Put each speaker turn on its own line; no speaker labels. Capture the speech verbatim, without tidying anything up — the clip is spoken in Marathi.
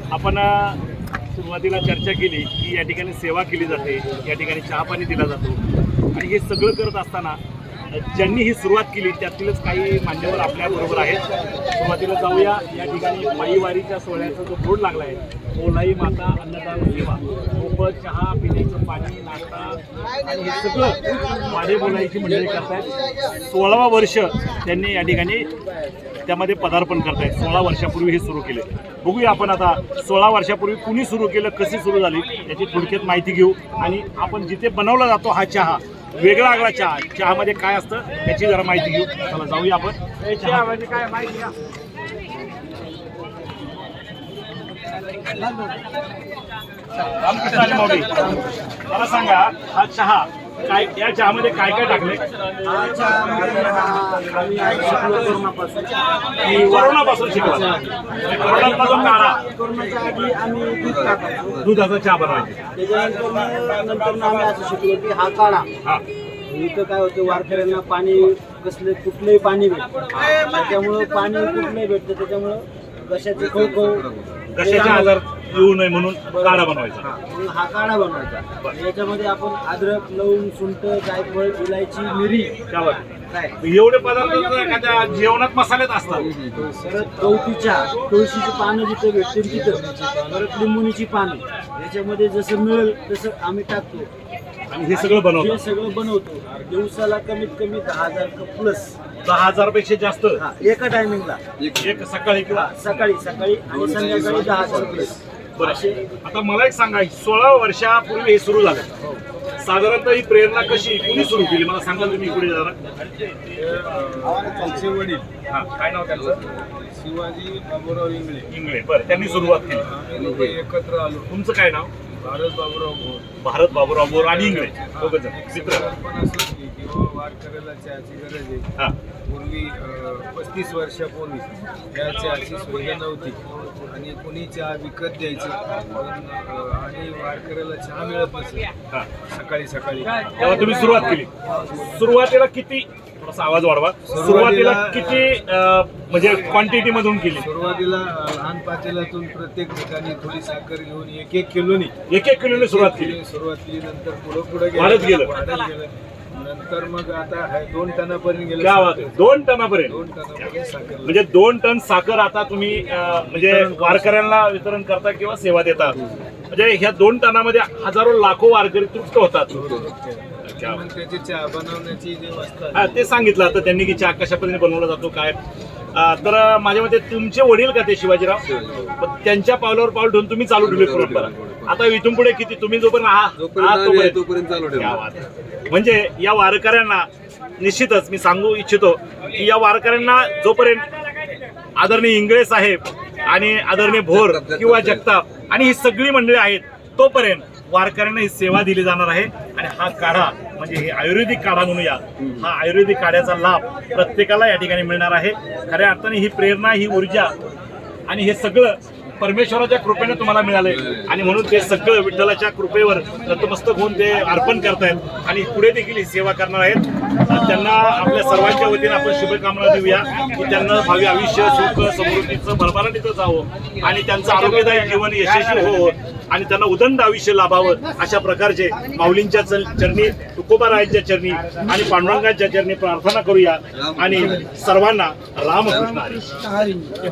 आपण अ, सुरुवातीला चर्चा केली की या ठिकाणी सेवा केली जाते, या ठिकाणी चहा पाणी दिला जातो आणि हे सगळं करत असताना ज्यांनी ही सुरुवात केली त्यातीलच काही मान्यवर आपल्याबरोबर आहेत. सुरुवातीला जाऊया. या ठिकाणी माईवारीच्या सोहळ्याचा जो बोर्ड लागला आहे, ओलाई माता अन्नदान सेवा, मोफत चहा, पिण्याचं पाणी, नाश्ता आणि हे सगळं वाडे बोलायची मंडळी करतायत. सोळावा वर्ष त्यांनी या ठिकाणी त्यामध्ये पदार्पण करतायत. सोळा वर्षापूर्वी हे सुरू केले. बघूया आपण आता सोळा वर्षापूर्वी कुणी सुरू केलं, कशी सुरू झाली याची थोडक्यात माहिती घेऊ आणि आपण जिथे बनवला जातो हा चहा, वेगळा आगळा चहा, चहामध्ये काय असतं याची जरा माहिती घेऊ. चला जाऊया आपण. चहा म्हणजे काय माहिती घ्या. रामकृष्ण हरी माऊली, मला सांगा हा चहा काय, या चहामध्ये काय काय टाकले? कोरोनापासून शिकला. कोरोनाचा जो काळा दुधाचा चहा बनवायचा.
त्याच्यानंतर आम्ही असं शिकलो की हा काढा
हा
इथं काय होतं, वारकऱ्यांना पाणी कसले कुठलंही पाणी भेटतं, त्याच्यामुळं पाणी कुठलंही भेटतं, त्याच्यामुळं घशाचे खवखव
कशाचे आजार येऊ नये म्हणून काढा बनवायचा.
म्हणून हा काढा बनवायचा. याच्यामध्ये आपण अद्रक, लवंग, सुंठ, जायफळ, इलायची, मिरी,
त्यावर
काय
एवढे पदार्थ तर एखाद्या जेवणात मसालेच असतात.
परत गवतीच्या तुळशीची पानं जिथं भेटतील तिथं, परत लिंबुनीची पानं, याच्यामध्ये जसं मिळेल तसं आम्ही टाकतो
आणि हे सगळं
हे
बनवतो.
सगळं बनवतो. दिवसाला कमीत कमी दहा हजार कप प्लस.
दहा हजार पेक्षा जास्त
हा, एका टायमिंगला
एक सकाळी किंवा
सकाळी सकाळी आणि संध्याकाळी दहा हजार प्लस.
बरं. आता मला एक सांगा, सोळा वर्षापूर्वी हे सुरू झालं, साधारणतः ही प्रेरणा कशी, कुणी सुरू केली मला सांगा तुम्ही पुढे जरा.
त्यांचे वडील
हा, काय नाव त्यांचं?
शिवाजी बाबूराव इंगळे.
इंगळे. बरं, त्यांनी सुरुवात केली.
आम्ही लोक एकत्र आलो.
तुमचं काय नाव?
भारत बाबूराव भोर.
भारत बाबूराव बोर आणि इंगळे दोघं जण मित्र.
पण असं की किंवा वारकऱ्याला चहाची गरज आहे.
हा
पूर्वी पस्तीस वर्षापूर्वी या चहाची सुविधा नव्हती आणि कोणी चहा विकत द्यायचं पण, अं, आणि वारकऱ्याला चहा मिळत नसे
हा
सकाळी सकाळी.
तेव्हा तुम्ही सुरुवात केली. सुरुवातीला किती, थोडासा आवाज वाढवा, सुरुवातीला किती अं, म्हणजे क्वांटिटी मधून केली?
सुरुवातीला अं, लहान पातेल्यातून प्रत्येक ठिकाणी थोडी साखर घेऊन एक एक किलोनी
एक एक किलोने सुरुवात केली.
सुरुवात केली. नंतर पुढं पुढे
वाढत गेलं.
वाढत गेलं. नंतर मग आता आहे दोन टनापर्यंत गेलं.
क्या बात आहे. दोन टनापर्यंत.
दोन टनापर्यंत साखर.
म्हणजे दोन टन साखर आता तुम्ही अं, म्हणजे वारकऱ्यांना वितरण करता किंवा सेवा देता. म्हणजे ह्या दोन टनामध्ये हजारो लाखो वारकरी तृप्त होतात. क्या बात.
मग त्याची चहा बनवण्याची जी व्यवस्था
हा, ते सांगितलं आता त्यांनी की चहा कशा पद्धतीने बनवला जातो काय. अं, तर माझ्या मते तुमचे वडील का ते शिवाजीराव, पण त्यांच्या पावलावर पाऊल ठेवून तुम्ही चालू ठेवली परंपरा. आता इथून पुढे किती तुम्ही जोपर्यंत आहात आहात तोपर्यंत
चालू
क्या बात आहे. म्हणजे या वारकऱ्यांना निश्चितच मी सांगू इच्छितो की या वारकऱ्यांना जोपर्यंत आदरणीय इंगळे साहेब आणि आदरणीय भोर किंवा जगताप आणि ही सगळी मंडळी आहेत तोपर्यंत वारकऱ्यांना ही सेवा दिली जाणार आहे. आणि हा काढा म्हणजे हे आयुर्वेदिक काढा म्हणूया, हा आयुर्वेदिक काढ्याचा लाभ प्रत्येकाला या ठिकाणी मिळणार आहे. खऱ्या अर्थाने ही प्रेरणा, ही ऊर्जा आणि हे सगळं परमेश्वराच्या कृपेने तुम्हाला मिळाले आणि म्हणून ते सगळं विठ्ठलाच्या कृपेवर नतमस्तक होऊन ते अर्पण करतायत आणि पुढे देखील ही सेवा करणार आहेत. त्यांना आपल्या सर्वांच्या वतीने आपण शुभकामना देऊया की त्यांना भावी आयुष्य सुख समृद्धीचं भरभराटीचं जावं आणि त्यांचं आरोग्यदायी जीवन यशस्वी होवं आणि त्यांना उदंड आयुष्य लाभावं अशा प्रकारचे माऊलींच्या चरणी, तुकोबारायांच्या चरणी आणि पांडुरंगाच्या चरणी प्रार्थना करूया आणि सर्वांना रामकृष्ण हरी.